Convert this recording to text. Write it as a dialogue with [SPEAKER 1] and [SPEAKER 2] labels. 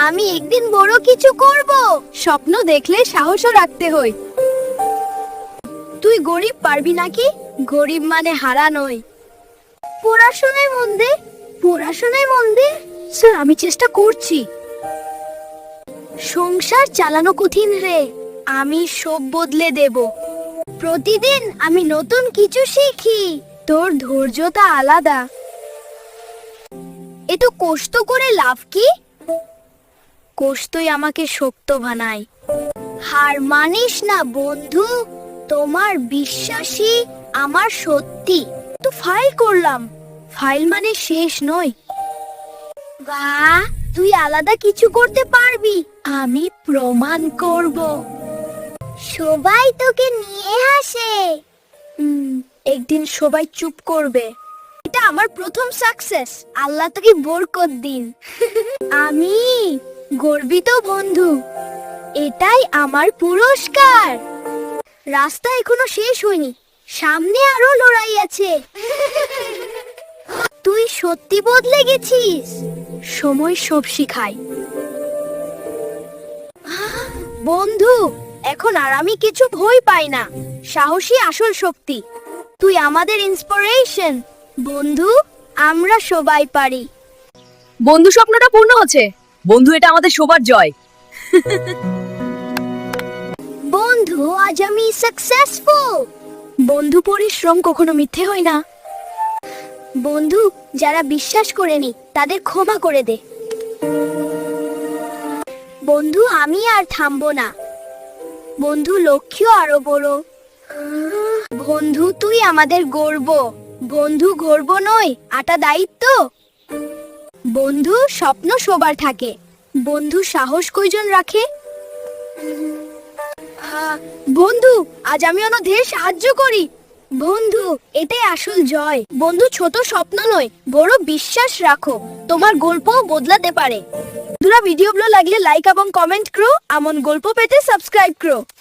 [SPEAKER 1] আমি একদিন বড় কিছু করব। স্বপ্ন দেখলে সাহসও রাখতে হয়। তুই গরিব পারবি নাকি? গরিব মানে হারা নয়। পড়াশোনায় মন দে, পড়াশোনায় মন দে। স্যার, আমি চেষ্টা করছি। সংসার চালানো কঠিন রে, আমি সব বদলে দেব। প্রতিদিন আমি নতুন কিছু শিখি। তোর ধৈর্যটা আলাদা। এত কষ্ট করে লাভ কি? কষ্টই আমাকে শক্ত বানায়। হার মানিস না বন্ধু, তোমার বিশ্বাসী আমার সত্যি। তো ফাইল করলাম, ফাইল মানে শেষ নয়। বাহ, তুই আলাদা কিছু করতে পারবি। আমি প্রমাণ করব। সবাই তোকে নিয়ে হাসে। একদিন সবাই চুপ করবে। এটা আমার প্রথম সাকসেস। আল্লাহ তোকে বরকত দিন। আমি গর্বিত বন্ধু, এটাই আমার পুরস্কার। রাস্তা এখনো শেষ হয়নি, সামনে আরো লড়াই আছে। তুই সত্যি বদলে গেছিস। সময় সব শিখায়। বন্ধু, এখন আর আমি কিছু ভয় পাই না। সাহসী আসল শক্তি। তুই আমাদের ইন্সপিরেশন। বন্ধু, আমরা সবাই পারি।
[SPEAKER 2] বন্ধু, স্বপ্নটা পূর্ণ হচ্ছে। বন্ধু, এটা আমাদের সবার জয়।
[SPEAKER 1] বন্ধু, আজ আমি সাকসেসফুল। বন্ধু, পরিশ্রম কখনো মিথ্যে হয় না। বন্ধু, যারা বিশ্বাস করেনি তাদের ক্ষমা করে দে। বন্ধু, আমি আর থামবো না। বন্ধু, লক্ষ্য আরো বড়। বন্ধু, তুই আমাদের গর্ব। বন্ধু, গর্ব নয়, আটা দায়িত্ব। বন্ধু, স্বপ্ন সবার থাকে। বন্ধু, সাহস কয়জন রাখে? বন্ধু, আজ আমি অন্যদের সাহায্য করি। বন্ধু, এটাই আসল জয়। বন্ধু, ছোট স্বপ্ন নয়, বড় বিশ্বাস রাখো। তোমার গল্পও বদলাতে পারে। বন্ধুরা, ভিডিও ভালো লাগলে লাইক এবং কমেন্ট করো। এমন গল্প পেতে সাবস্ক্রাইব করো।